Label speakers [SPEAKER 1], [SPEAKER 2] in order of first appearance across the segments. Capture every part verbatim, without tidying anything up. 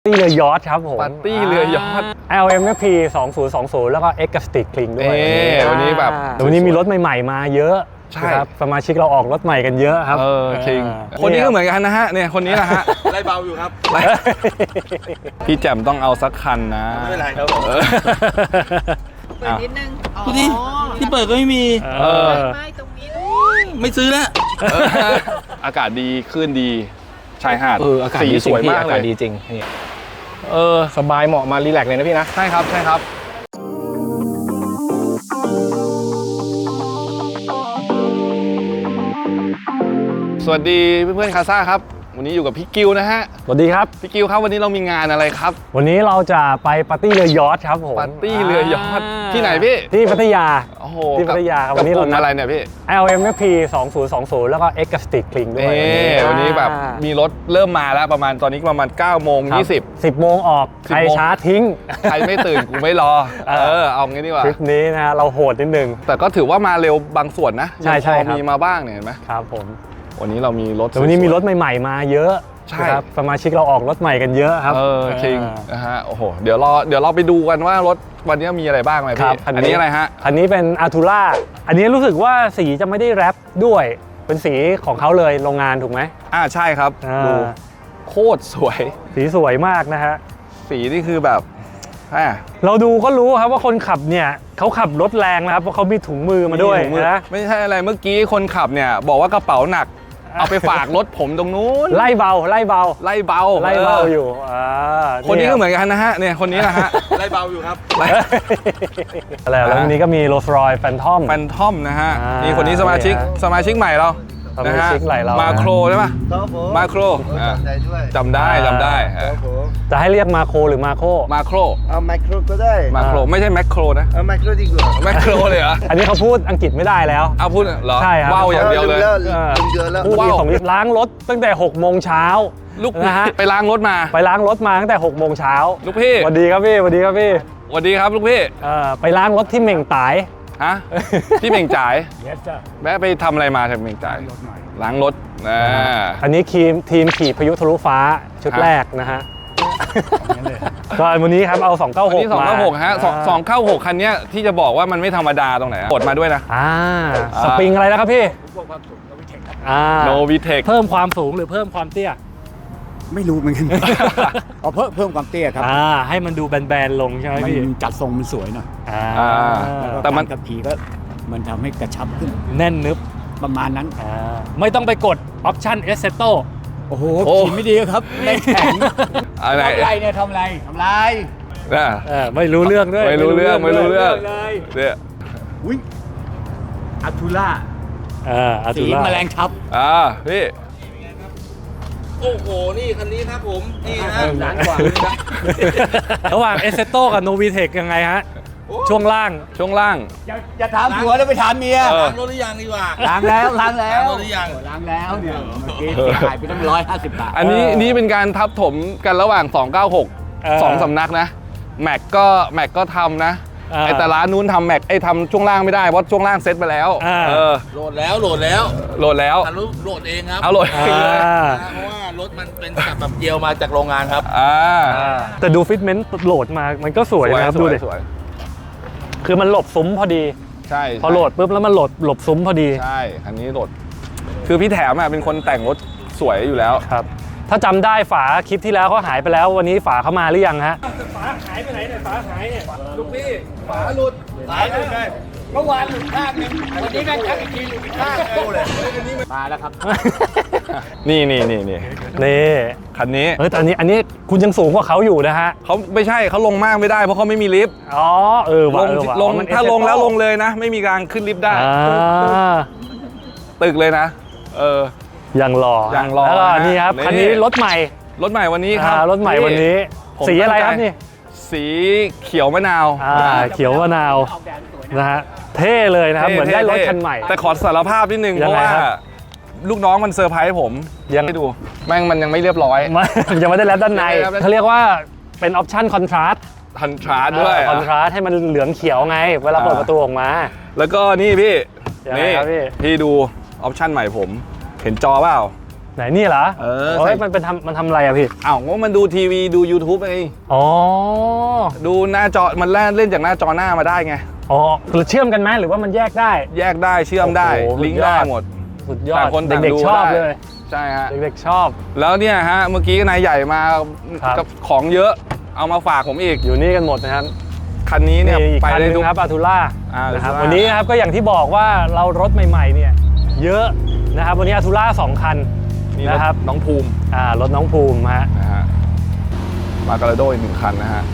[SPEAKER 1] ตี้เรือยอชต์ครับผม
[SPEAKER 2] ปาร์ตี้เรือยอชต์
[SPEAKER 1] แอล เอ็ม เอฟ พี สองศูนย์สองศูนย์แล้วก็ X กับ Stick Kling ด้วย
[SPEAKER 2] วันนี้แบบ
[SPEAKER 1] วันนี้มีรถใหม่ๆมาเยอะ
[SPEAKER 2] ใช่
[SPEAKER 1] ครับสมาชิกเราออกรถใหม่กันเยอะครับ
[SPEAKER 2] เออคิงคนนี้ก็เหมือนกันนะฮะเนี่ยคนนี้นะฮะ
[SPEAKER 3] ไล่เบาอยู่ครับ
[SPEAKER 2] พี่แจ่มต้องเอาสักคันนะ
[SPEAKER 3] ไม่เป็นไรครับผม
[SPEAKER 4] เปิดนิดนึง
[SPEAKER 3] ดูดิที่เปิดก็ไม่มี
[SPEAKER 2] เออ
[SPEAKER 4] ไม่ตรงนี้
[SPEAKER 3] ไม่ซื้อแล้ว
[SPEAKER 2] อากาศดีคลื่นดีชายหาด
[SPEAKER 5] เอออากาศ
[SPEAKER 2] สี
[SPEAKER 5] ดี
[SPEAKER 2] สวยมากเลย
[SPEAKER 5] อากาศดีจริงนี่เออสบายเหมาะมารีแลกซ์เลยนะพี่นะ
[SPEAKER 2] ใช่ครับใช่ครับสวัสดีเพื่อนๆคาซ่าครับวันนี้อยู่กับพี่กิวนะฮะ
[SPEAKER 1] สวัสดีครับ
[SPEAKER 2] พี่กิวครับวันนี้เรามีงานอะไรครับ
[SPEAKER 1] วันนี้เราจะไปปาร์ตี้เรือยอชต์ครับผม
[SPEAKER 2] ปาร์ตี้เรือยอชต์ที่ไหนพี่
[SPEAKER 1] ที่พัทยา
[SPEAKER 2] โอ้โห
[SPEAKER 1] ที่พัทยาครับวันนี้เรา
[SPEAKER 2] อะไรเนี่ยพี่
[SPEAKER 1] แอล เอ็ม เอฟ พี สองศูนย์สองศูนย์แล้วก็ X กับ Stick Kling ด้วย
[SPEAKER 2] วันนี้แบบมีรถเริ่มมาแล้วประมาณตอนนี้ประมาณเก้าโมงยี่สิบ
[SPEAKER 1] สิบโมงออกใครช้าทิ้ง
[SPEAKER 2] ใครไม่ตื่นกูไม่รอเออเอางี้ดีกว่า
[SPEAKER 1] ทริปนี้นะเราโหดนิดนึง
[SPEAKER 2] แต่ก็ถือว่ามาเร็วบางส่วนนะ
[SPEAKER 1] ใช่ใช่ครับ
[SPEAKER 2] มีมาบ้างเนี่ยเห็นไหม
[SPEAKER 1] ครับผม
[SPEAKER 2] วันนี้เรามีรถ
[SPEAKER 1] วันนี้มีรถใหม่ๆมาเยอะ
[SPEAKER 2] ใช่
[SPEAKER 1] ครับสมาชิกเราออกรถใหม่กันเยอะครับ
[SPEAKER 2] เออจริงนะฮะโอ้โหเดี๋ยวรอเดี๋ยวเราไปดูกันว่ารถวันนี้มีอะไรบ้างไหมพี่อันนี้อะไรฮะ
[SPEAKER 1] อันนี้เป็นอาร์ทูล่าอันนี้รู้สึกว่าสีจะไม่ได้แรปด้วยเป็นสีของเขาเลยโรงงานถูกไหม
[SPEAKER 2] อ่าใช่ครับดูโคตรสวย
[SPEAKER 1] สีสวยมากนะฮะ
[SPEAKER 2] สีนี่คือแบบ
[SPEAKER 1] เราดูก็รู้ครับว่าคนขับเนี่ยเขาขับรถแรงนะครับเพราะเขามีถุงมือมาด้วยนะ
[SPEAKER 2] ไม่ใช่อะไรเมื่อกี้คนขับเนี่ยบอกว่ากระเป๋าหนักเอาไปฝากรถผมตรงนู้น
[SPEAKER 1] ไล่เบาไล่เบา
[SPEAKER 2] ไล่เบา
[SPEAKER 1] ไล่เบาอยู่
[SPEAKER 2] คนนี้ก็เหมือนกันนะฮะเนี่ยคนนี้นะฮะ
[SPEAKER 3] ไล่เบาอยู่ครับ
[SPEAKER 1] แล้ววันนี้ก็มีโรลส์รอยซ์แฟนทอม
[SPEAKER 2] แฟนทอมนะฮะนี่คนนี้สมาชิกสมาชิกใหม่เรา
[SPEAKER 1] นะฮะ
[SPEAKER 2] มาโครใช่ปะมาโครจำได้จำได้
[SPEAKER 1] จะให้เรียกมาโครหรือมาโค
[SPEAKER 2] มาโคร
[SPEAKER 3] เอาไมโครก็ได้
[SPEAKER 2] มาโครไม่ใช่แมคโครนะ
[SPEAKER 3] เอาไมโครดีกว่า
[SPEAKER 2] แมคโครเลยเหรอ
[SPEAKER 1] อันนี้เขาพูดอังกฤษไม่ได้แล้ว
[SPEAKER 2] เอาพูดเหรอ
[SPEAKER 1] ใช่ครับ
[SPEAKER 2] ว้าวอย่างเดียวเลย
[SPEAKER 1] พูดดีของล้างรถตั้งแต่หกโมงเช้า
[SPEAKER 2] ลูกนะฮะไปล้างรถมา
[SPEAKER 1] ไปล้างรถมาตั้งแต่หกโมงเช้า
[SPEAKER 2] ลูกพี่
[SPEAKER 1] สวัสดีครับพี่สวัสดีครับพี่
[SPEAKER 2] สวัสดีครับลูกพี่
[SPEAKER 1] ไปล้างรถที่เหม่งตาย
[SPEAKER 2] ฮะที่เหม่งจ่ายแม่ไปทำอะไรมาจากเหม่งจ่ายล้างรถนะ
[SPEAKER 1] อันนี้ทีมทีมขี่พายุทะลุฟ้าชุดแรกนะฮะก็วันนี้ครับเอาสองเก้าหก
[SPEAKER 2] มาสองเก้าหกฮะสองเก้าหกคันนี้ที่จะบอกว่ามันไม่ธรรมดาตรงไหนกดมาด้วยนะ
[SPEAKER 1] อ่าสปริงอะไรนะครับพี่
[SPEAKER 2] โนวิเทค
[SPEAKER 1] เพิ่มความสูงหรือเพิ่มความเตี้ย
[SPEAKER 6] ไม่รู้เหมือนกันเอาเพิ่มเพิ่มความเตี้ยครับ
[SPEAKER 1] อ่าให้มันดูแบนๆลงใช่ไหมพี่
[SPEAKER 6] มันจัดทรงมันสวยหน่อย
[SPEAKER 1] อ่า
[SPEAKER 6] แต่มันกับขี่ก็มันทำให้กระชับขึ้น
[SPEAKER 1] แน่นนึบ
[SPEAKER 6] ประมาณนั้น
[SPEAKER 1] ไม่ต้องไปกดออปชั่นเอสเซโต
[SPEAKER 6] โอ้โหขี่ไม่ดีครับแรงแข็ง
[SPEAKER 2] อะไร
[SPEAKER 6] ทำไรเนี่ยทำไรทำไร
[SPEAKER 1] ไม่รู้เรื่องด้วย
[SPEAKER 2] ไม่รู้เรื่องไม่รู้เรื่องเนี่ย
[SPEAKER 6] วิ่งอาร์ทูล่า
[SPEAKER 1] สี
[SPEAKER 6] แมลงทับ
[SPEAKER 2] อ่าพี่
[SPEAKER 3] โอ้โหนี่คันนี้ครับผมนี่นะ
[SPEAKER 6] ล้านกว่า
[SPEAKER 1] ระหว่างเอสเซโตกับโนวีเทคยังไงฮะช่วงล่าง
[SPEAKER 2] ช่วงล่าง
[SPEAKER 6] จะถามผัวแล้วไปถามเมีย
[SPEAKER 3] ล้างรถหรือยังดีกว่า
[SPEAKER 6] ล้างแล้วล้างแล้ว
[SPEAKER 3] ล้างรถหรือยัง
[SPEAKER 6] ล้างแล้วเนี่ยเมื่อกี้เสียหายไปตั้งร้อยห้าสิบบาท
[SPEAKER 2] อันนี้นี่เป็นการทับถมกันระหว่างสองเก้าหกสองสำนักนะแม็กก็แม็กก็ทำนะไอแต่ร้านนู้นทำแม็กไอทำช่วงล่างไม่ได้เพราะช่วงล่างเซ็ตไปแล้ว
[SPEAKER 3] โหลดแล้วโหลดแล้ว
[SPEAKER 2] โหลดแล้ว
[SPEAKER 3] โหลดเองครับ
[SPEAKER 2] เอาโหลดเองเลย
[SPEAKER 3] เพราะว่ารถมันเป็นแบบเกียวมาจากโรงงานครับ
[SPEAKER 1] แต่ดูฟิตเมนต์โหลดมามันก็สวยนะครับดูดิคือมันหลบซุ้มพอดี
[SPEAKER 2] ใช่
[SPEAKER 1] พอโหลดปุ๊บแล้วมันโหลดหลบซุ้มพอดี
[SPEAKER 2] ใช่อันนี้โหลดคือพี่แถมอ่ะเป็นคนแต่งรถสวยอยู่แล้ว
[SPEAKER 1] ครับถ้าจำได้ฝาคลิปที่แล้วเขาหายไปแล้ววันนี้ฝาเข้ามาหรือยังฮะฝาหายไปไหนเนี่ยฝาหายเนี่ย
[SPEAKER 3] ลูกพี่ฝาหลุดหายไปเลยเมื่อวานหลุดข้างนึงวันนี้แม่งชักอีกทีหลุดอีกข้างดูเลย
[SPEAKER 6] มาแล้วครับ
[SPEAKER 2] นี่นี่นี่นี่
[SPEAKER 1] นี่
[SPEAKER 2] คันนี้
[SPEAKER 1] เฮ้ยแต่อันนี้อันนี้คุณยังสูงกว่าเขาอยู่นะฮะ
[SPEAKER 2] เขาไม่ใช่เขาลงมากไม่ได้เพราะเขาไม่มีลิฟต์
[SPEAKER 1] อ๋อเออ
[SPEAKER 2] ลงลงถ้าลงแล้วลงเลยนะไม่มีการขึ้นลิฟต์ได้ตึกเลยนะเออ
[SPEAKER 1] ยังรอ
[SPEAKER 2] ยังรอ
[SPEAKER 1] แล้วก็นี่ครับคันนี้รถใหม่
[SPEAKER 2] รถใหม่วันนี้ครับ
[SPEAKER 1] รถใหม่วันนี้สีอะไรครับนี่
[SPEAKER 2] สีเขียวมะนาว
[SPEAKER 1] อ่าเขียวมะนาวนะฮะเท่เลยนะครับเหมือนได้รถคันใหม่
[SPEAKER 2] แต่ขอสารภาพนิดนึงเพราะว่าลูกน้องมันเซอร์ไพรส์ผม
[SPEAKER 1] ยัง
[SPEAKER 2] ให้ดูแม่งมันยังไม่เรียบร้อย
[SPEAKER 1] ยังไม่ได้แล้วด้านในเขาเรียกว่าเป็นออปชั่นคอนทราสต์
[SPEAKER 2] คอนทราสต์ด้วย
[SPEAKER 1] คอนทราสต์ให้มันเหลืองเขียวไงเวลาเปิดประตูออกมา
[SPEAKER 2] แล้วก็นี่พี่นี่พี่ดูออปชั่นใหม่ผมเห็นจอเปล่า
[SPEAKER 1] ไหนนี่เหรอ
[SPEAKER 2] เออ
[SPEAKER 1] โอ้
[SPEAKER 2] ใส่
[SPEAKER 1] ยมันเป็นทำมันทำอะไรอะพี่
[SPEAKER 2] อ้าวว่ามันดูทีวีดู YouTube ไง
[SPEAKER 1] อ๋อ
[SPEAKER 2] ดูหน้าจอมันแล่นเล่นจากหน้าจอหน้ามาได้ไง
[SPEAKER 1] อ๋อเชื่อมกันไหมหรือว่ามันแยกได้
[SPEAKER 2] แยกได้เชื่อมได้
[SPEAKER 1] โอ้โห
[SPEAKER 2] ลิงก์
[SPEAKER 1] สุดยอด
[SPEAKER 2] ได้หมด
[SPEAKER 1] สุดยอด
[SPEAKER 2] ต่างคนต่าง
[SPEAKER 1] เด็ก
[SPEAKER 2] ดู
[SPEAKER 1] ๆชอบ
[SPEAKER 2] ได้
[SPEAKER 1] เลย
[SPEAKER 2] ใช่ฮะ
[SPEAKER 1] เด็กๆชอบ
[SPEAKER 2] แล้วเนี่ยฮะเมื่อกี้นายใหญ่มา
[SPEAKER 1] ครับ
[SPEAKER 2] กับของเยอะเอามาฝากผมอีก
[SPEAKER 1] อยู่นี่กันหมดนะครับ
[SPEAKER 2] คันนี้เนี่ย
[SPEAKER 1] อีก
[SPEAKER 2] ไป
[SPEAKER 1] คันห
[SPEAKER 2] ได้
[SPEAKER 1] นึ
[SPEAKER 2] ทุ
[SPEAKER 1] ง
[SPEAKER 2] ก
[SPEAKER 1] ครับอาทูล่า
[SPEAKER 2] อ่า
[SPEAKER 1] นะครับ
[SPEAKER 2] Altura
[SPEAKER 1] วันนี้นะครับก็อย่างที่บอกว่าเรารถใหม่ๆเนี่ยเยอะนะครับวันนี้อาทูล่าสองคัน
[SPEAKER 2] นี่
[SPEAKER 1] นะครับ
[SPEAKER 2] น้องภูมิ
[SPEAKER 1] อ่ารถน้องภูมิฮะ
[SPEAKER 2] นะฮะมาการาโดอีกหนึ่งคันนะฮะ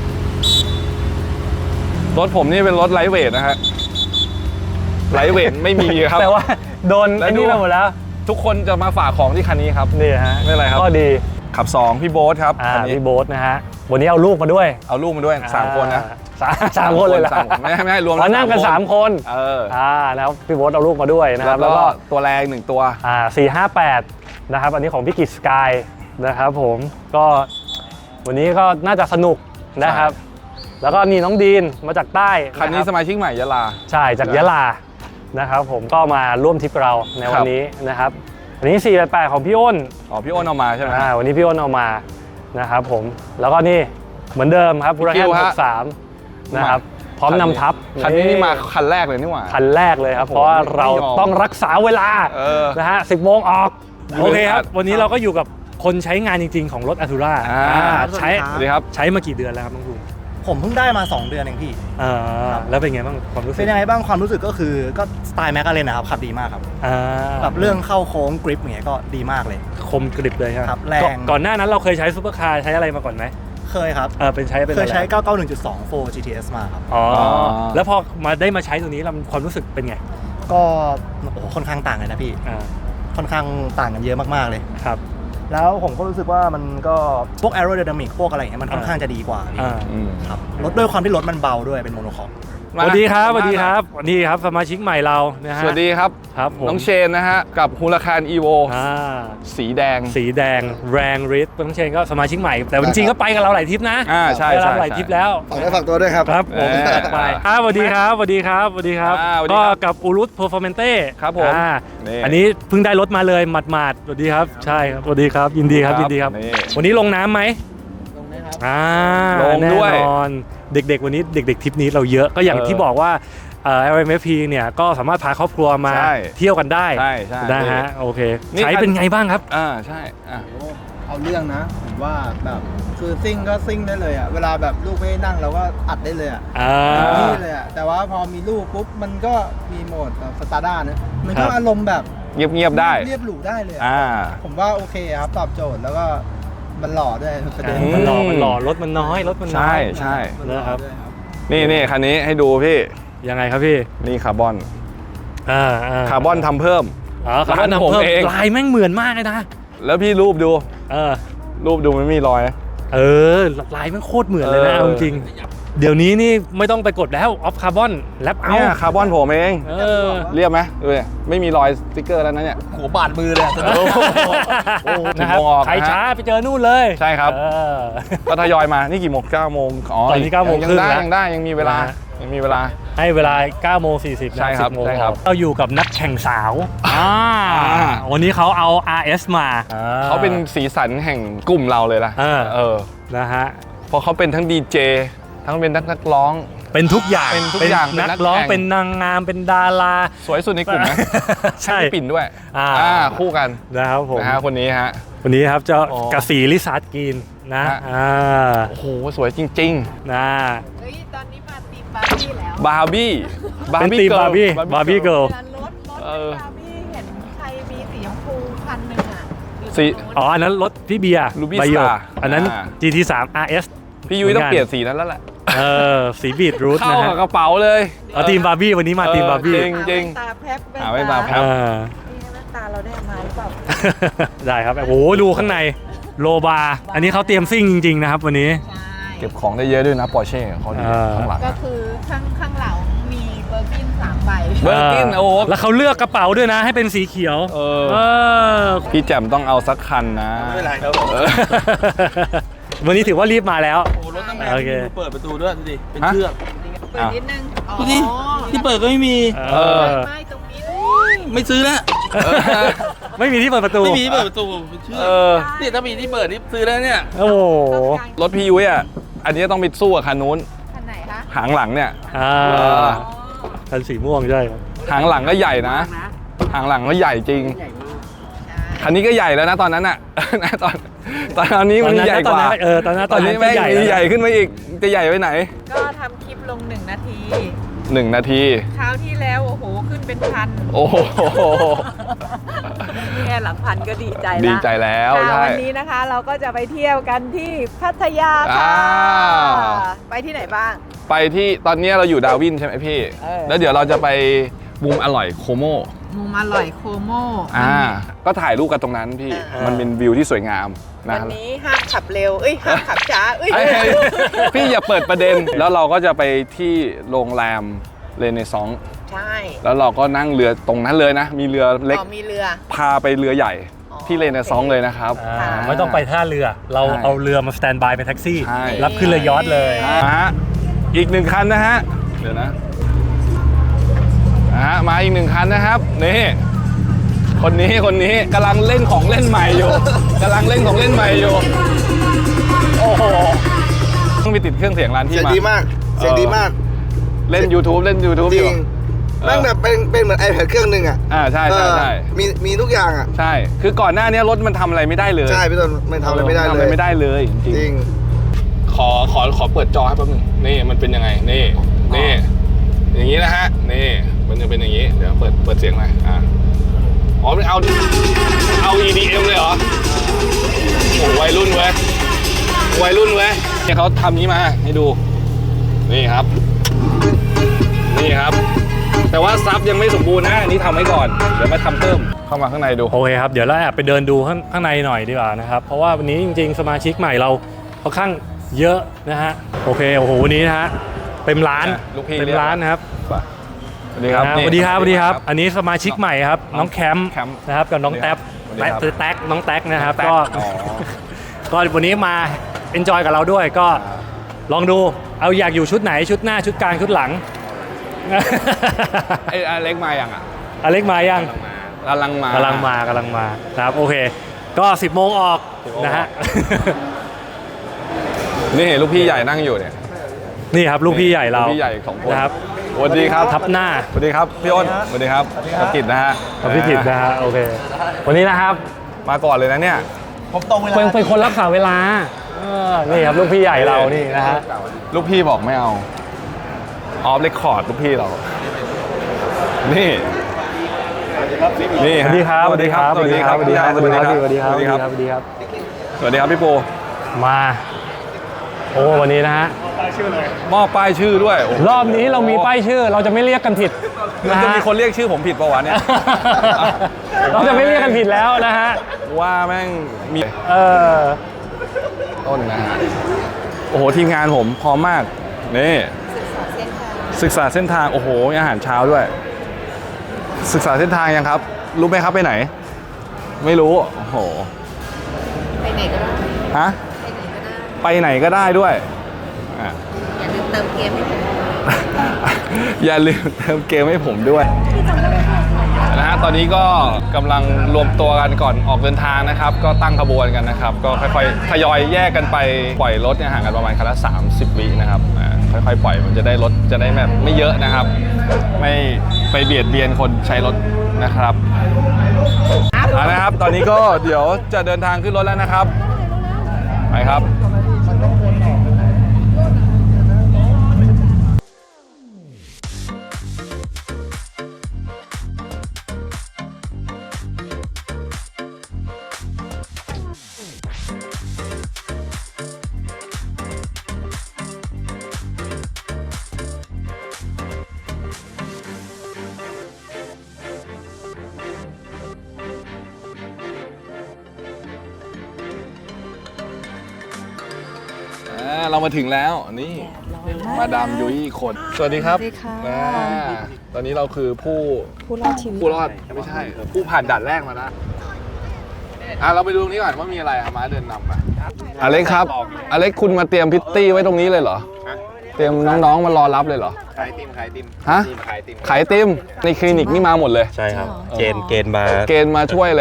[SPEAKER 2] รถผมนี่เป็นรถไลท์เวทนะฮะไลท์เวทไม่มีครับ
[SPEAKER 1] แต่ว่าโดน
[SPEAKER 2] แล้ว
[SPEAKER 1] ไอ้
[SPEAKER 2] ดู
[SPEAKER 1] นี่ไปหมดแล้ว
[SPEAKER 2] ทุกคนจะมาฝากของที่คันนี้ครับ
[SPEAKER 1] นี่ฮะ
[SPEAKER 2] ไม่เป็นไรครับ
[SPEAKER 1] ก็ดี
[SPEAKER 2] ขับสองพี่โบ๊ทครับ
[SPEAKER 1] อ่า
[SPEAKER 2] คันนี้
[SPEAKER 1] พี่โบ๊ทนะฮะวันนี้เอาลูกมาด้วย
[SPEAKER 2] เอาลูกมาด้วยสามคนนะ
[SPEAKER 1] อ่าสามสามคนเลยเหรอ
[SPEAKER 2] สามคนไม่ให้ไม่ให้รวม
[SPEAKER 1] อ๋อนั่งกันสามคน
[SPEAKER 2] เออ
[SPEAKER 1] อ่านะครับพี่โบ๊ทเอาลูกมาด้วยนะค
[SPEAKER 2] แล้
[SPEAKER 1] รับ
[SPEAKER 2] ว
[SPEAKER 1] แล้ว
[SPEAKER 2] ก็
[SPEAKER 1] ก็
[SPEAKER 2] ตัวแรงหนึ่งตัว
[SPEAKER 1] อ่าสี่ห้าแปดนะครับอันนี้ของพี่กิจสกายนะครับผมก็วันนี้ก็น่าจะสนุกนะครับ แล้วก็นี่น้องดีนมาจากใต้
[SPEAKER 2] คันนี้
[SPEAKER 1] ะรับ
[SPEAKER 2] สมาชิกใหม่ยะลา
[SPEAKER 1] ใช่จากยะลานะครับผมก็มาร่วมทริปเราในวันนี้นะครับอันนี้สี่แปดแปดของพี่อ้น
[SPEAKER 2] อ๋อพี่อ้นเอามาใช่ไหม
[SPEAKER 1] อ่าวันนี้พี่อ้นเอามานะครับผมแล้วก็นี่เหมือนเดิมครับบูรา
[SPEAKER 2] คิ
[SPEAKER 1] แฮน
[SPEAKER 2] วฮะ
[SPEAKER 1] หกสามนะครับพร้อมนำทัพ
[SPEAKER 2] คันนี้นี่มาคันแรกเลยนี่หว่า
[SPEAKER 1] คันแรกเลยครับ
[SPEAKER 2] โอ้โห
[SPEAKER 1] เพราะว่าเรา
[SPEAKER 2] ไม่ยอม
[SPEAKER 1] ต้องรักษาเวลา
[SPEAKER 2] เออ
[SPEAKER 1] นะฮะสิบโมงออก
[SPEAKER 2] อยู่
[SPEAKER 1] โอเคครับ
[SPEAKER 2] ครับ
[SPEAKER 1] วันนี้เราก็อยู่กับคนใช้งานจริง ๆ ของรถอั t ูร่า
[SPEAKER 2] อ่า
[SPEAKER 1] ใช้
[SPEAKER 2] สวัสดีครับ
[SPEAKER 1] ใช้มากี่เดือนแล้วครับน้องภูมิ
[SPEAKER 7] ผมเพิ่งได้มา สอง เดือนเองพี่
[SPEAKER 1] อ่าแล้วเป็นไงบ้างความรู้สึก
[SPEAKER 7] เป็นยังไงบ้างความรู้สึกก็คือก็สไตล์แมคลาเรนนะครับขับดีมากครับ
[SPEAKER 1] อ่า
[SPEAKER 7] แบบเรื่องเข้าโค้งกริปอย่างเงี้ยก็ดีมากเลย
[SPEAKER 1] คมกริบเลย
[SPEAKER 7] ครับแรง
[SPEAKER 1] ก่อนก่อนหน้านั้นเราเคยใช้ซูเปอร์คาร์ใช้อะไรมาก่อนไหม
[SPEAKER 7] เคยครับ
[SPEAKER 1] เออเป็นใช้เป็น
[SPEAKER 7] เค
[SPEAKER 1] อะ
[SPEAKER 7] ย
[SPEAKER 1] ไร
[SPEAKER 7] ใช้ เก้าเก้าหนึ่งจุดสอง โฟร์ จี ที เอส มาครับ
[SPEAKER 1] อ๋อ
[SPEAKER 2] อ๋อ
[SPEAKER 1] แล้วพอมาได้มาใช้ตัวนี้เราความรู้สึกเป็นไง
[SPEAKER 7] ก็โอ้โหค่อนข้างต่างเลยนะพี่
[SPEAKER 1] อ่า
[SPEAKER 7] ค่อนข้างต่างกันเยอะมากๆเลย
[SPEAKER 1] ครับ
[SPEAKER 7] แล้วผมก็รู้สึกว่ามันก็พวก aerodynamic พวกอะไรอย่างเงี้ยมันค่อนข้างจะดีกว่าพี่
[SPEAKER 1] อ่า
[SPEAKER 2] อืม
[SPEAKER 7] ครับรถด้วยความที่รถมันเบาด้วยเป็นโมโนคอร์
[SPEAKER 1] สวัสดีครับสวัสดีครับนี่ครับสมาชิกใหม่เรานะฮะ
[SPEAKER 2] สวัสดีครับ
[SPEAKER 1] ครับผม
[SPEAKER 2] น้องเชนนะฮะ กับฮูลาคานอีโว
[SPEAKER 1] อ่า
[SPEAKER 2] สีแดง
[SPEAKER 1] สีแดงแรงฤทธิ์น้องเชนก็สมาชิกใหม่ แต่จริงๆก็ไปกับเราหลายทริปนะ
[SPEAKER 2] อ่าใช่
[SPEAKER 1] ไปกับ
[SPEAKER 2] ใช่
[SPEAKER 1] เราหลายทริปแล้ว
[SPEAKER 6] ฝากได้ฝากตัวด้วยครับ
[SPEAKER 1] ครับผม
[SPEAKER 2] เออ
[SPEAKER 1] ไปอ่าสวัสดีครับสวัสดีครับสวัสดีครับ
[SPEAKER 2] อ่าสวัสดี
[SPEAKER 1] ก็
[SPEAKER 2] ครับ
[SPEAKER 1] กับอูรุตเพอร์ฟอร์เมนเต้
[SPEAKER 2] ครับผม
[SPEAKER 1] อ่า
[SPEAKER 2] นี่
[SPEAKER 1] อันนี้เพิ่งได้รถมาเลยหมาดๆสวัสดีครับใช่ครับสวัสดีครับยินดีครับยินดีครับ
[SPEAKER 2] นี่
[SPEAKER 1] วันนี้ลงน้ำไหมลงนะครับอ่า
[SPEAKER 2] ลงด้วย
[SPEAKER 1] แน่นอนเด็กๆวันนี้เด็กๆทริปนี้เราเยอะก็อย่าง
[SPEAKER 2] เออ
[SPEAKER 1] ที่บอกว่าเอ่อ แอล เอ็ม เอฟ พี เนี่ยก็สามารถพาครอบครัวมา
[SPEAKER 2] ใช่
[SPEAKER 1] เที่ยวกันได้
[SPEAKER 2] ใช่ใช่
[SPEAKER 1] นะฮะโอเค
[SPEAKER 2] นี่
[SPEAKER 1] ใช้เป็นไงบ้างครับ
[SPEAKER 2] อ่าใช่อ่ะ
[SPEAKER 8] เอาเรื่องนะผมว่าแบบคือซิ่งก็ซิ่งได้เลยอ่ะเวลาแบบลูกไม่ได้นั่งเราก็อัดได้เลยอ่ะ
[SPEAKER 1] อ่า
[SPEAKER 8] นี่เลยอ่ะแต่ว่าพอมีลูกปุ๊บมันก็มีโหมดแบบสตาร์ด้านะมัน
[SPEAKER 1] ครั
[SPEAKER 8] ก็
[SPEAKER 1] บ
[SPEAKER 8] อารมณ์แบบ
[SPEAKER 2] เงียบเงียบๆได้
[SPEAKER 8] เรียบหรูได้เลยอะ
[SPEAKER 2] อ่า
[SPEAKER 8] ผมว่าโอเคครับตอบโจทย์แล้วก็มันหล่อด้วยประเด็น
[SPEAKER 2] อื
[SPEAKER 1] มันหล่อมันหล่อรถมันน้อยรถมันน้
[SPEAKER 2] ใช่
[SPEAKER 1] อย
[SPEAKER 2] ใช่
[SPEAKER 8] มันหล่อ
[SPEAKER 1] นะครับ
[SPEAKER 8] ด้วยครับ
[SPEAKER 2] นี่นี่คันนี้ให้ดูพี่
[SPEAKER 1] ยังไงครับพี่
[SPEAKER 2] นี่คาร์บอน
[SPEAKER 1] อ่าอ่า
[SPEAKER 2] คาร์บอนทำเพิ่ม
[SPEAKER 1] อ๋อคาร์บอน
[SPEAKER 2] ร้านผม
[SPEAKER 1] ทำเพิ่ม
[SPEAKER 2] เอง
[SPEAKER 1] ลายแม่งเหมือนมากเลยนะ
[SPEAKER 2] แล้วพี่รูปดู
[SPEAKER 1] เออ
[SPEAKER 2] รูปดูมันไม่มีรอยนะ
[SPEAKER 1] เออลายแม่งโคตรเหมือนเลยนะ
[SPEAKER 2] เออ
[SPEAKER 1] เอาจริงเดี๋ยวนี้นี่ไม่ต้องไปกดแล้วออฟคาร์บอนแลปเอา
[SPEAKER 2] เนี่ยคาร์บอนผมเอง
[SPEAKER 1] เออ
[SPEAKER 2] เรียบไหมดูดิไม่มีรอยสติ๊กเกอร์แล้วนะเนี่ย
[SPEAKER 7] หัวบาดมือเลยอะ
[SPEAKER 2] โอ้โห
[SPEAKER 1] นะครับ
[SPEAKER 2] กี่โมงออกนะฮะ
[SPEAKER 1] ใครช้าไปเจอนู่นเลย
[SPEAKER 2] ใช่ครับ
[SPEAKER 1] เออ
[SPEAKER 2] ก็ทยอยมา นี่กี่โมงเก้าโมงอ๋อ
[SPEAKER 1] ตอนนี้เก้าโมง
[SPEAKER 2] ยั
[SPEAKER 1] ครึ่ง
[SPEAKER 2] ได้
[SPEAKER 1] แล้ว
[SPEAKER 2] ยังได้ยังมีเวลา
[SPEAKER 1] นะฮะ
[SPEAKER 2] ยังมีเวลา
[SPEAKER 1] ให้เวลาเก้าโมงสี่สิบ
[SPEAKER 2] ใช่ครับ
[SPEAKER 1] สิโมง
[SPEAKER 2] ใช่ครับ
[SPEAKER 1] เราอยู่กับนักแข่งสาวอ่า
[SPEAKER 2] อ่า
[SPEAKER 1] วันนี้เขาเอา อาร์ เอส มา
[SPEAKER 2] เขาเป็นสีสันแห่งกลุ่มเราเลยล่ะ
[SPEAKER 1] เออ
[SPEAKER 2] เออ
[SPEAKER 1] นะฮะ
[SPEAKER 2] เพราะเขาเป็นทั้งดีเจทั้งเป็นนักนักร้อง
[SPEAKER 1] เป็นทุกอย่าง
[SPEAKER 2] เป็นทุกอย่าง
[SPEAKER 1] นัก
[SPEAKER 2] เป็นนัก
[SPEAKER 1] ร้อง
[SPEAKER 2] แข่ง
[SPEAKER 1] เป็นนางงามเป็นดารา
[SPEAKER 2] สวยสุดในกลุ่มนะ
[SPEAKER 1] ใช่
[SPEAKER 2] พี่ปิ่นด้วย
[SPEAKER 1] อ่า
[SPEAKER 2] คู่กัน
[SPEAKER 1] นะครับผม
[SPEAKER 2] นะฮะคนนี้ฮะ
[SPEAKER 1] วันนี้ครับเจ้า
[SPEAKER 2] อ๋อ
[SPEAKER 1] กระสีลิซาร์ดกรีนนะ
[SPEAKER 2] ฮะ
[SPEAKER 1] อ่า
[SPEAKER 2] โอ้โหสวยจริง
[SPEAKER 1] นะ
[SPEAKER 4] เฮ้ย ตอนนี้มาตีมบาร์บี้แล้ว
[SPEAKER 2] ๆ บาร์บี้
[SPEAKER 1] เป็นตีมบาร์บี้บาร์บี้เกิร์ล
[SPEAKER 4] เวลารถรถ
[SPEAKER 2] เออ
[SPEAKER 4] บาร์บี้เห็นใครมีสีชมพูคันหนึ่งอ่ะอยู่
[SPEAKER 2] สี
[SPEAKER 4] ตรงนู้น
[SPEAKER 1] อ๋ออันนั้นรถพี่เบียร์
[SPEAKER 2] Ruby
[SPEAKER 1] ใบหยก
[SPEAKER 2] Star
[SPEAKER 1] อันนั้น
[SPEAKER 2] อ่า
[SPEAKER 1] จี ที สาม อาร์ เอส
[SPEAKER 2] พี่ยุ้ยต้องเปลี่ยนสีนั้นแล้วแหละ
[SPEAKER 1] เออสีบีทรูท
[SPEAKER 2] เข้า
[SPEAKER 1] นะ
[SPEAKER 2] กับ
[SPEAKER 1] ฮะ
[SPEAKER 2] กระเป๋าเลย
[SPEAKER 1] เอาทีมบาร์บี้วันนี้มาทีมบาร์บี้
[SPEAKER 2] จริง จริง
[SPEAKER 4] ตาแพ็บ
[SPEAKER 2] หาแว่นตาแพ็บ
[SPEAKER 1] อ่า
[SPEAKER 4] นี่แว่นตาเราได้มาหรือเปล่า
[SPEAKER 1] ได้ครับโอ้โหดูข้างในโลบาร์อันนี้เขาเตรียมซิ่งจริง ๆ นะครับวันนี้
[SPEAKER 4] ใช่
[SPEAKER 2] เก็บของได้เยอะด้วยนะปอร์เช่เขาดี
[SPEAKER 1] อ่า
[SPEAKER 2] ข้างหลัง
[SPEAKER 4] ก็
[SPEAKER 2] อะ
[SPEAKER 4] คือข้างข้างหลังมีเบอร์กินสามใบ
[SPEAKER 2] เบอร์กินโอ้โห
[SPEAKER 1] แล้วเขาเลือกกระเป๋าด้วยนะให้เป็นสีเขียว
[SPEAKER 2] เออ
[SPEAKER 1] เออ
[SPEAKER 2] พี่แจ่มต้องเอาสักคันนะ
[SPEAKER 7] ไม่เป็นไร
[SPEAKER 2] เออ
[SPEAKER 1] วันนี้ถือว่ารีบมาแล้ว
[SPEAKER 8] โอ้รถตั้งแรง
[SPEAKER 1] โอเค
[SPEAKER 8] เปิดประตูด้วยดูดิเป็น
[SPEAKER 2] ฮะ
[SPEAKER 8] เชือก
[SPEAKER 4] เปิดนิดนึงอ๋อ
[SPEAKER 8] ดูดิที่เปิดก็ไม่มี
[SPEAKER 1] เออ
[SPEAKER 4] ไม่ตรงนี้
[SPEAKER 8] ไม่ซื้อแล้ว
[SPEAKER 2] เออ
[SPEAKER 1] ไม่มีที่เปิดประตู
[SPEAKER 2] ไม่มีที่เปิดประตูเออนี่ถ้ามีที่เปิดนี่ซื้อแล้วเนี่ย
[SPEAKER 1] โอ้โห
[SPEAKER 2] รถพี่ยุ้ยอ่ะอันนี้ต้องไปสู้กับคันนู้น
[SPEAKER 4] คันไหนคะ
[SPEAKER 2] หางหลังเนี่ย
[SPEAKER 1] อ่า
[SPEAKER 2] เออ
[SPEAKER 1] คันสีม่วงใช่
[SPEAKER 2] หางหลังก็ใหญ่นะหางหลังก็ใหญ่จริง คันนี้ก็ใหญ่แล้วนะตอนนั้นอ่ะ ตอนตอนนี้มันใหญ่กว่า
[SPEAKER 1] เออตอนนั้น
[SPEAKER 2] ตอนนี้แม่งมีใหญ่ขึ้นมาอีกจะใหญ่ไปไหน
[SPEAKER 4] ก็ทำคลิปลงหนึ่งนาที
[SPEAKER 2] หนึ่งนาที
[SPEAKER 4] คราวที่แล้วโอ้โหขึ้นเป็นพัน
[SPEAKER 2] โอ้โห
[SPEAKER 4] แค่หลักพันก็ดีใจละ
[SPEAKER 2] ดีใจแล้ว
[SPEAKER 4] ค่ะ
[SPEAKER 2] ใช่
[SPEAKER 4] วันนี้นะคะเราก็จะไปเที่ยวกันที่พัทยาค่ะ
[SPEAKER 2] อ่า
[SPEAKER 4] ไปที่ไหนบ้าง
[SPEAKER 2] ไปที่ตอนนี้เราอยู่ดาวินใช่ไหมพี่
[SPEAKER 4] เออ
[SPEAKER 2] แล้วเดี๋ยวเราจะไปมุมอร่อยโคโม
[SPEAKER 4] มุมอร่อยโคโม
[SPEAKER 2] อ่าก็ถ่ายรูปกันตรงนั้นพี่
[SPEAKER 4] เออ
[SPEAKER 2] มันเป็นวิวที่สวยงามนะ
[SPEAKER 4] วันนี้ห้ามขับเร็ว เอ้ยห้ามขับช้า เอ้ย
[SPEAKER 2] เอ้ยเอ้ยพี่อย่าเปิดประเด็น แล้วเราก็จะไปที่โรงแรมเรเนซองส์
[SPEAKER 4] ใช่
[SPEAKER 2] แล้วเราก็นั่งเรือตรงนั้นเลยนะ มีเรือเล็ก
[SPEAKER 4] อ๋อมีเรือ
[SPEAKER 2] พาไปเรือใหญ่
[SPEAKER 4] อ๋อ
[SPEAKER 2] ที่เรเนซองส์เลยนะครับ
[SPEAKER 1] อ่าไม่ต้องไปท่าเรือ เรา
[SPEAKER 2] ใช่
[SPEAKER 1] เอาเรือมาสแตนบายเป็นแท็กซี่
[SPEAKER 2] ใช่
[SPEAKER 1] รับขึ้นเรือยอชต์เลย
[SPEAKER 2] อ่าฮะอีกหนึ่งคันนะฮะ เดี๋ยวนะอ่าฮะมาอีกหนึ่งคันนะครับ นี่ คนนี้คนนี้กำลังเล่นของเล่นใหม่อยู่กำลังเล่นของเล่นใหม่อยู่ โอ้โหต้องไปติดเครื่องเสียงร้านที่
[SPEAKER 3] เสียง
[SPEAKER 2] มา
[SPEAKER 3] ดีมาก เสียงดีมาก
[SPEAKER 2] เล่น YouTube เล่น YouTube
[SPEAKER 3] จ
[SPEAKER 2] อ
[SPEAKER 3] ริ
[SPEAKER 2] ยู่
[SPEAKER 3] ง
[SPEAKER 2] เออ
[SPEAKER 3] แม่งแบบเป็นเป็นเหมือน iPad เครื่องหนึ่งอ่ะ
[SPEAKER 2] อ่าใช่ใช่ใช่
[SPEAKER 3] เออมีมีทุกอย่างอ่ะ
[SPEAKER 2] ใช่ คือก่อนหน้านี้รถมันทำอะไรไม่ได้เลย
[SPEAKER 3] ใช่พี่ต้นไม่ทำอะไรไม่ได้
[SPEAKER 2] ทำ
[SPEAKER 3] เล
[SPEAKER 2] อะไร
[SPEAKER 3] ย
[SPEAKER 2] ไม่ได้เลยจริง
[SPEAKER 3] จริง
[SPEAKER 2] ๆขอขอขอเปิดจอให้แป๊บนึงนี่มันเป็นยังไงนี่นี่อย่างนี้นะฮะนี่มันจะเป็นอย่างนี้เดี๋ยวเปิดเปิดเสียงหน่อยอ่าอ๋อเอาเอา อี ดี เอ็ม เลยเหรอโอ้วัยรุ่นเว้ยวัยรุ่นเว้ยเนี่ยเขาทำนี้มาให้ดูนี่ครับนี่ครับ แต่ว่าซับยังไม่สมบูรณ์นะอันนี้ทำไว้ก่อนเดี๋ยวมาทำเพิ่มเข้ามาข้างในดู
[SPEAKER 1] โอเคครับ เดี๋ยวเราแอบไปเดินดูข้างข้างในหน่อยดีกว่านะครับ เพราะว่าวันนี้จริงๆ สมาชิกใหม่เราค่อนข้างเยอะนะฮะ โอเค โอ้โห วันนี้นะฮะ เต็มร้าน
[SPEAKER 2] ลูกพี่
[SPEAKER 1] เต็มร้านนะครับ
[SPEAKER 2] สวัสดีครับ
[SPEAKER 1] นะฮะสวัสดีครับสวัสดีครับ อันนี้สมาชิกใหม่ครับ น้องแคมป์
[SPEAKER 2] แคมป์
[SPEAKER 1] นะครับ กับน้องแท็บ
[SPEAKER 2] สวัสดีครับ
[SPEAKER 1] แท็บแท็กน้องแท็กนะครับ
[SPEAKER 2] แท็ก
[SPEAKER 1] ก็
[SPEAKER 2] อ๋อ
[SPEAKER 1] ก็วันนี้มาเอนจอยกับเราด้วย ก็ลองดู เอาอยากอยู่ชุดไหน ชุดหน้า ชุดกลาง ชุดหลัง
[SPEAKER 2] ไอ้อเล็กมาอย่างอ่ะ
[SPEAKER 1] อเล็กมายัง
[SPEAKER 2] กำลังมาก
[SPEAKER 1] ำลังมากำลังมานะครับโอเค ก็ สิบโมงออกนะฮะ
[SPEAKER 2] นี่ลูกพี่ใหญ่นั่งอยู่เนี่ย
[SPEAKER 1] นี่ครับลูกพี่ใหญ่เรา
[SPEAKER 2] ลูกพี่ใหญ่ของคน
[SPEAKER 1] นะครับ
[SPEAKER 2] สวัสดีครับ
[SPEAKER 1] ทับหน้า
[SPEAKER 2] สวัสดีครับพี่อ้นสวัสดีครับกับกิจนะฮะ
[SPEAKER 1] กับพี่จิตรนะฮะโอเค วันนี้นะครับ
[SPEAKER 2] มาก่อนเลยนะเนี่ย
[SPEAKER 3] ผมตรงเวลา
[SPEAKER 1] เป็นเป็นคนรักษาเวลาเออนี่ครับลูกพี่ใหญ่เรานี่นะฮะ
[SPEAKER 2] ลูกพี่บอกไม่เอาออฟเรคคอร์ดลูกพี่เรา นี่นี่
[SPEAKER 1] สวัสดีครับ
[SPEAKER 2] สวัสดีครับ
[SPEAKER 1] สวัสดีครับ
[SPEAKER 2] สวัสดีครับ
[SPEAKER 1] สวัสดีครับ
[SPEAKER 2] สวัสดีครับ
[SPEAKER 1] สวัสดีครับสวัสดีครับ
[SPEAKER 2] สวัสดีครับพี่โป
[SPEAKER 1] มาโอ้วันนี้นะฮะ
[SPEAKER 2] มอบป้ายชื่อด้วยโโห
[SPEAKER 1] รอบนี้เรามีป้ายชื่อเราจะไม่เรียกกันผิด
[SPEAKER 2] มัน
[SPEAKER 1] นะ
[SPEAKER 2] จะ
[SPEAKER 1] ฮะ
[SPEAKER 2] มีคนเรียกชื่อผมผิดปะวะเนี่ย
[SPEAKER 1] เราจะไม่เรียกกันผิดแล้วนะฮะ
[SPEAKER 2] ว่าแม่งมี
[SPEAKER 1] เออ
[SPEAKER 2] ต้นนะฮะโอ้โหทีมงานผมพร้อมมากนี่ศึกษาเส้นทางโอ้โหมีอาหารเช้าด้วย ศึกษาเส้นทางยังครับ รู้ไหมครับไปไหน ไม่รู้โอ้โห
[SPEAKER 4] ไปไหนก็ได้
[SPEAKER 2] ฮะ
[SPEAKER 4] ไปไหนก็ได้
[SPEAKER 2] ไปไหนก็ได้ด้วยอ่ะ
[SPEAKER 4] อย่าลืมเติมเกมให้ผม
[SPEAKER 2] อย่าลืมเติมเกมให้ผมด้วยนะฮะตอนนี้ก็กำลังรวมตัวกันก่อนออกเดินทางนะครับ ก็ตั้งขบวนกันนะครับ ก็ค่อยๆทยอยแยกกันไปปล่อยรถเนี่ยห่างกันประมาณคันละสามสิบวินะครับอ่าค่อยๆปล่อยมันจะได้รถจะได้แบบไม่เยอะนะครับ ไม่ไปเบียดเบียนคนใช้รถนะครับเอานะครับ ตอนนี้ก็เดี๋ยวจะเดินทางขึ้นรถแล้วนะครับไปครับ อ่าเรามาถึงแล้วนี่มาดามยุ้ยคนสวัสดีครับ
[SPEAKER 4] สวัสดีค่ะ
[SPEAKER 2] อ่าตอนนี้เราคือผู้
[SPEAKER 4] ผู้รอดชีวิต
[SPEAKER 2] ผู้รอดไม่ใช่ ผู้ผ่านด่านแรกมาแล้วอ่ะเราไปดูตรงนี้ก่อนว่ามีอะไรอ่ะมาเดินนำไปอเล็กครับอเล็กคุณมาเตรียมพิตตี้ไว้ตรงนี้เลยเหรอเตรียมน้องๆมารอรับเลยเหรอ
[SPEAKER 3] ขายติมขายติม
[SPEAKER 2] ฮะ
[SPEAKER 3] ขายติม
[SPEAKER 2] ขายไอติมในคลินิกนี่มาหมดเลย
[SPEAKER 6] ใช่ครับ เกณฑ์เกณฑ์มา
[SPEAKER 2] เกณฑ์มาช่วยเลย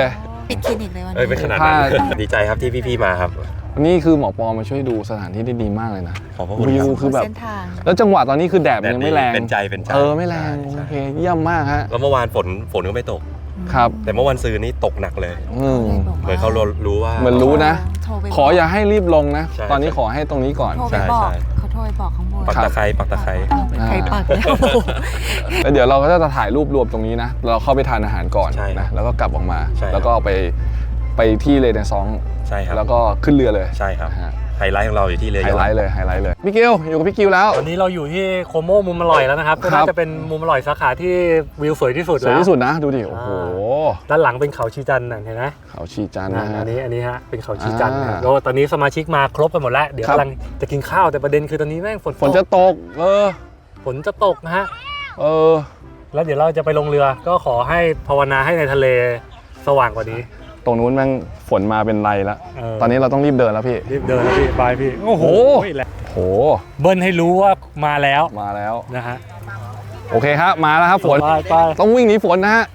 [SPEAKER 9] ปิดคลินิกเลยวัน
[SPEAKER 10] เอ้ย
[SPEAKER 9] นี้
[SPEAKER 10] เป็นขนาดนั้น ดีใจครับที่พี่ๆมาครับ
[SPEAKER 2] นี่คือหมอปอมาช่วยดูสถานที่ได้ดีมากเลยนะ
[SPEAKER 10] ขอบพระคุณ
[SPEAKER 2] วิ
[SPEAKER 10] ครั
[SPEAKER 2] ว
[SPEAKER 10] บ
[SPEAKER 2] คือแบบ
[SPEAKER 9] เส้นทาง
[SPEAKER 2] แล้วจังหวะตอนนี้คือแดดมันยังไม่แรง
[SPEAKER 10] เป็นใจเป็นใจ
[SPEAKER 2] เออไม่แรง
[SPEAKER 10] ใช่
[SPEAKER 2] โอเคเยี่ยมมากฮะ
[SPEAKER 10] แล้วเมื่อวานฝนฝนก็ไม่ตก
[SPEAKER 2] ครับ
[SPEAKER 10] แต่เมื่อวันซืนนี่ตกหนักเลย
[SPEAKER 2] อืม
[SPEAKER 10] เหมือนเขารู้ว่า
[SPEAKER 2] เหมือนรู้นะ
[SPEAKER 9] โทรไปบก
[SPEAKER 2] ขออย่าให้รีบลงนะ
[SPEAKER 10] ใช่
[SPEAKER 2] ตอนนี้ขอให้ตรงนี้ก่อน
[SPEAKER 9] โทรไป
[SPEAKER 10] ใช่
[SPEAKER 9] บอก
[SPEAKER 10] ใช่
[SPEAKER 9] เขาโทรไปบอกข้างบน
[SPEAKER 10] ปักตะไคร้ปักตะไคร้
[SPEAKER 9] ใครปักแล้ว
[SPEAKER 2] แล้วเดี๋ยวเราก็จะถ่ายรูปรวมตรงนี้นะ เราเข้าไปทานอาหารก่อน
[SPEAKER 10] ใช่ครับ
[SPEAKER 2] นะ แล้วก็กลับออกมา
[SPEAKER 10] ใช่ครับ
[SPEAKER 2] แล้วก็ไปไปที่เลนซอง
[SPEAKER 10] ใช่ครับ
[SPEAKER 2] แล้วก็ขึ้นเรือเลย
[SPEAKER 10] ใช่ครับ
[SPEAKER 2] นะฮะ
[SPEAKER 10] ไฮไลท์ของเราอยู่ที่เรือ
[SPEAKER 2] ไฮ
[SPEAKER 10] ยอช
[SPEAKER 2] ไลท์เลย ไฮไลท์เลย พี่กิวอยู่กับพี่กิวแล้ว
[SPEAKER 1] ตอนนี้เราอยู่ที่โคโมมุมอร่อยแล้วนะครับก็
[SPEAKER 2] ครั
[SPEAKER 1] น่า
[SPEAKER 2] บ
[SPEAKER 1] จะเป็นมุมอร่อยสาขาที่วิวสวยที่สุด
[SPEAKER 2] สวย
[SPEAKER 1] แล้ว
[SPEAKER 2] ที่สุดนะ ดูดิ โอ้โห
[SPEAKER 1] ด้านหลังเป็นเขาชีจันทร์นะเห็นไหม
[SPEAKER 2] เขาชีจันทร์
[SPEAKER 1] นั่
[SPEAKER 2] นะ
[SPEAKER 1] น
[SPEAKER 2] ฮะ
[SPEAKER 1] อันนี้อันนี้ฮะเป็นเขาชีจันทร์นะ
[SPEAKER 2] อ่า
[SPEAKER 1] แล้วตอนนี้สมาชิกมาครบกันหมดแล้วเดี๋ยว
[SPEAKER 2] ครับ
[SPEAKER 1] กำลังจะกินข้าวแต่ประเด็นคือตอนนี้แม่งฝน
[SPEAKER 2] ฝนจะตก เออ
[SPEAKER 1] ฝนจะตกนะฮะ
[SPEAKER 2] เออ
[SPEAKER 1] แล้วเดี๋ยวเราจะไปลงเรือก็ขอให้ภาวนาให้ในทะเลสว่างกว่านี้
[SPEAKER 2] ตรงนู้นแม่งฝนมาเป็นไรแล้ว
[SPEAKER 1] เออ
[SPEAKER 2] ตอนนี้เราต้องรีบเดินแล้วพี่
[SPEAKER 1] รีบเดินแล้วพี่บายพี่โอ้โห
[SPEAKER 2] โห
[SPEAKER 1] เบิ้ลให้รู้ว่ามาแล้ว
[SPEAKER 2] มาแล้ว
[SPEAKER 1] นะฮะ
[SPEAKER 2] โอเคครับ มาแล้วครับฝน
[SPEAKER 1] ไปไป
[SPEAKER 2] ต้องวิ่งหนีฝนนะฮะ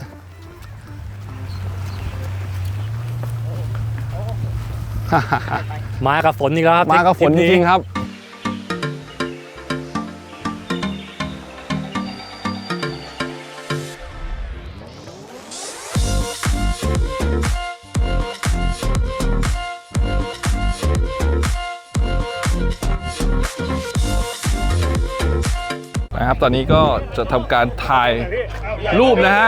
[SPEAKER 1] มากับฝนอีกแล้วครับ
[SPEAKER 2] มากับฝนจริงๆครับ นะครับ ตอนนี้ก็จะทำการถ่ายรูปนะฮะ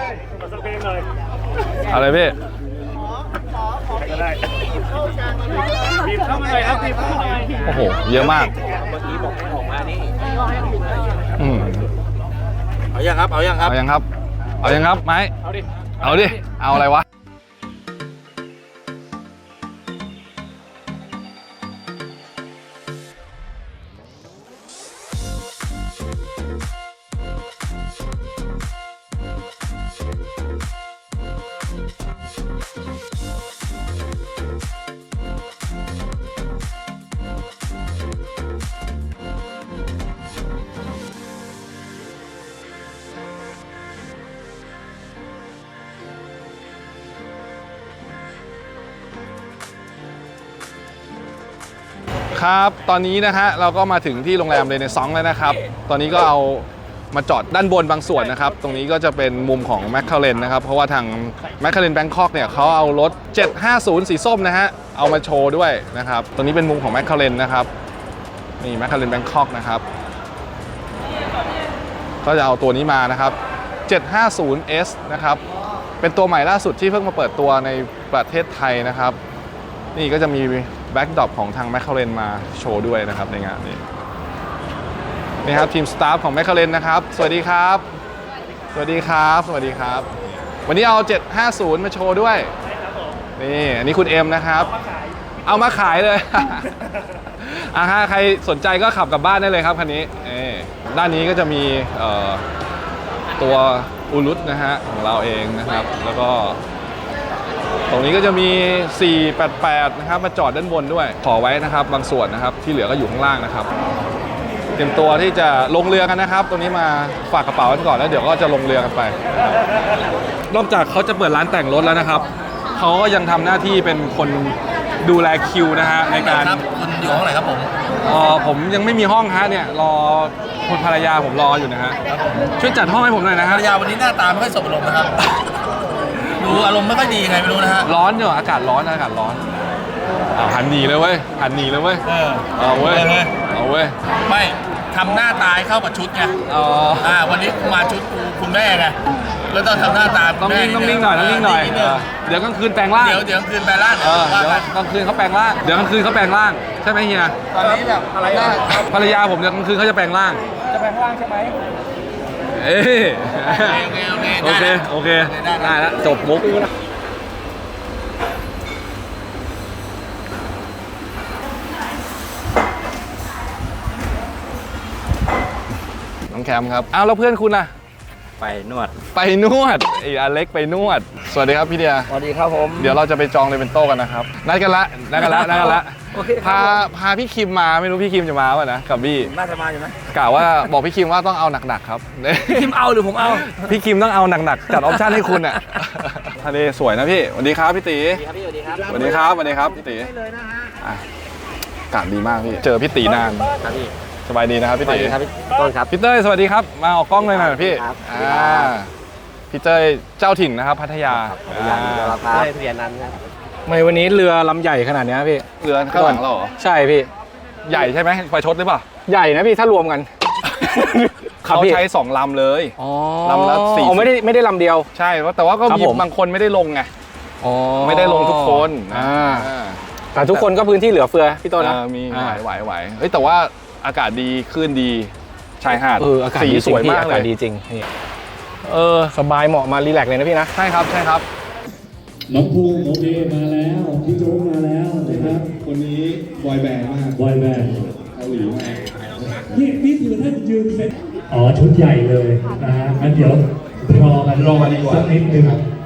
[SPEAKER 2] อะไรพี่ โอ้โห เยอะมาก อืม
[SPEAKER 3] เอายังครับ เอายังครับ
[SPEAKER 2] เอายังครับ เอายังครับไม้ เอาดิ เอาดิ เอาอะไรวะ ครับ ตอนนี้นะฮะเราก็มาถึงที่โรงแรมเรเนซองส์แล้วนะครับ ตอนนี้ก็เอามาจอดด้านบนบางส่วนนะครับ ตรงนี้ก็จะเป็นมุมของแมคคาเรนนะครับ เพราะว่าทางแมคคาเรนแบงคอกเนี่ยเขาเอารถเจ็ดห้าศูนย์สีส้มนะฮะ เอามาโชว์ด้วยนะครับ ตรงนี้เป็นมุมของแมคคาเรนนะครับ นี่แมคคาเรนแบงคอกนะครับ ก็จะเอาตัวนี้มานะครับ เจ็ดห้าศูนย์เอส นะครับ เป็นตัวใหม่ล่าสุดที่เพิ่งมาเปิดตัวในประเทศไทยนะครับ นี่ก็จะมีแบ็กดรอปของทางแมคคาเรนมาโชว์ด้วยนะครับในงานนี้นี่ครับทีมสตาฟของแมคคาเรนนะครับ สวัสดีครับ สวัสดีครับ สวัสดีครับ วันนี้เอาเจ็ดห้าศูนย์มาโชว์ด้วยนี่อันนี้คุณเอ็มนะครับ เอามาขายเลย อ่ะฮะใครสนใจก็ขับกลับบ้านได้เลยครับคันนี้ด้านนี้ก็จะมีตัวอูรุตนะฮะของเราเองนะครับแล้วก็ตรงนี้ก็จะมีสี่แปดแปดนะครับมาจอดด้านบนด้วยขอไว้นะครับบางส่วนนะครับที่เหลือก็อยู่ข้างล่างนะครับเตรียมตัวที่จะลงเรือกันนะครับตรงนี้มาฝากกระเป๋ากันก่อนแล้วเดี๋ยวก็จะลงเรือกันไปนอกจากเขาจะเปิดร้านแต่งรถแล้วนะครับเขาก็ยังทำหน้าที่เป็นคนดูแลคิวนะฮะในการ
[SPEAKER 3] คุณอยู่ห้องไหนครับผม
[SPEAKER 2] อ๋อผมยังไม่มีห้องฮะเนี่ยรอคุณภรรยาผมรออยู่นะฮะช่วยจัดห้องให้ผมหน่อยนะ
[SPEAKER 3] ภร
[SPEAKER 2] ฮะ
[SPEAKER 3] รยาวันนี้หน้าตาไม่ค่อยสบอารมณ์นะครับ ดูอารมณ์ไม่ค่อยดียังไงไม่รู้นะฮะ
[SPEAKER 2] ร้อนอยู่อากาศร้อนอากาศร้อนอ้าวหันหนีเลยเว้ยหันหนีเลยเว้ย
[SPEAKER 3] เออ
[SPEAKER 2] เอาเว้ย
[SPEAKER 3] เลย
[SPEAKER 2] เอาเว้ย
[SPEAKER 3] ไม่ทำหน้าตายเข้ากับชุดไง
[SPEAKER 2] อ๋อ
[SPEAKER 3] อ่าวันนี้มาชุดคุณแม่ไงแล้วต้องทำหน้าตาคุ
[SPEAKER 2] ต้อ
[SPEAKER 3] ณ
[SPEAKER 2] ง
[SPEAKER 3] แม่
[SPEAKER 2] นิ่งต้องนิ่งหน่อยต้องนิ่งหน่อย
[SPEAKER 3] ด
[SPEAKER 2] เออเดี๋ยวกลางคืนแปลงร่าง
[SPEAKER 3] เดี๋ยวเดี๋ยวคืนไปร้าน
[SPEAKER 2] เออ
[SPEAKER 3] ว่า
[SPEAKER 2] เดี๋ยว
[SPEAKER 3] กัน
[SPEAKER 2] กลางคืนเขาแปลงร่างเดี๋ยวกลางคืนเขาแปลงร่างใช่ไหมเฮีย
[SPEAKER 3] ตอนนี้แบบอะไรนะ
[SPEAKER 2] ภรรยาผมเดี๋ยวกลางคืนเขาจะแปลงร่าง
[SPEAKER 3] จะแปลงร่างใช่ไหม
[SPEAKER 2] เอ้ย
[SPEAKER 3] โอเคโอเค
[SPEAKER 2] โอเคโอเค
[SPEAKER 3] ได้
[SPEAKER 2] ได้แล้วจบมุกน้องแคมครับอ้าวแล้วเพื่อนคุณล่ะ
[SPEAKER 8] ไปนวด
[SPEAKER 2] ไปนวดไอ้อเล็กไปนวด สวัสดีครับพี่เดีย
[SPEAKER 8] สวัสดีครับผม
[SPEAKER 2] เดี๋ยวเราจะไปจองเลเวนโต้กันนะครับนัดกันละนัดกันละนัดกันละ
[SPEAKER 8] โอเค
[SPEAKER 2] พาพาพี่คิมมาไม่รู้พี่คิมจะมาป่ะนะกับบี้
[SPEAKER 8] น่าจะมาอยู่นะ
[SPEAKER 2] กล่าวว่าบอกพี่คิมว่าต้องเอาหนักๆครับ
[SPEAKER 8] พี่คิมเอาหรือผมเอา
[SPEAKER 2] พี่คิมต้องเอาหนักๆจัดออปชั่นให้คุณอ่ะทะเลสวยนะพี่สวัสดีครับพี่ตีสวัสดีครับสวัสดีครับสวัสดีครับพี่ตีอ่ะอากาศดีมากพี่เจอพี่ตีนานครับพี่สบายดีนะครับพี่ตีครับต้นครับพี่เต้ยสวัสดีครับมาออกกล้องเลยหน่อยพี่อ่าพี่เต้ยเจ้าถิ่นนะครับพัทยาพัทยาครับเต้ยทะเบียนนั้นครับ
[SPEAKER 5] ทำไมวันนี้เรือลำใหญ่ขนาดเนี้ยพี่
[SPEAKER 2] เรือข้างหลังเราเหรอ
[SPEAKER 5] ใช่พี่
[SPEAKER 2] ใหญ่ใช่ไหมไฟชดหรือเปล่า
[SPEAKER 5] ใหญ่นะพี่ถ้ารวมกัน
[SPEAKER 2] เขาใช้สองลำเลย
[SPEAKER 5] อ๋อ
[SPEAKER 2] ลำละสี่
[SPEAKER 5] อ๋อไม่ได้ไม่ได้ลำเดียว
[SPEAKER 2] ใช่แต่ว่าก็
[SPEAKER 5] ครับ
[SPEAKER 2] มี
[SPEAKER 5] ผม
[SPEAKER 2] บางคนไม่ได้ลงไง
[SPEAKER 5] อ๋อ
[SPEAKER 2] ไม่ได้ลงทุกคน
[SPEAKER 5] อ่า
[SPEAKER 2] อ่า
[SPEAKER 5] แต่ทุกคนก็พื้นที่เหลือเฟือพี่ต้นนะ
[SPEAKER 2] เออมี
[SPEAKER 5] อ่า
[SPEAKER 2] ไหวไหวไหวเฮ้ยแต่ว่าอากาศดีคลื่นดีชายหาด
[SPEAKER 5] เอออากาศ
[SPEAKER 2] สี
[SPEAKER 5] ดี
[SPEAKER 2] สวยมาก
[SPEAKER 5] อา
[SPEAKER 2] เล
[SPEAKER 5] กาศ
[SPEAKER 2] ย
[SPEAKER 5] ดีจริงนี่เออสบายเหมาะมารีแลกซ์เลยนะพี่นะ
[SPEAKER 2] ใช่ครับใช่ครับ
[SPEAKER 11] น้องภูมิโอเคมาแล้วพี่โจ๊กมาแล้วนะครับคนนี้บอยแบนด์มากบอยแบนด์เกาหลีมากนี่นี่คือท่านยืนเซ็ตอ๋อชุดใหญ่เลยนะฮะงั้นเดี๋ยวรอกันรอกันดีกว่าสักนิดนึง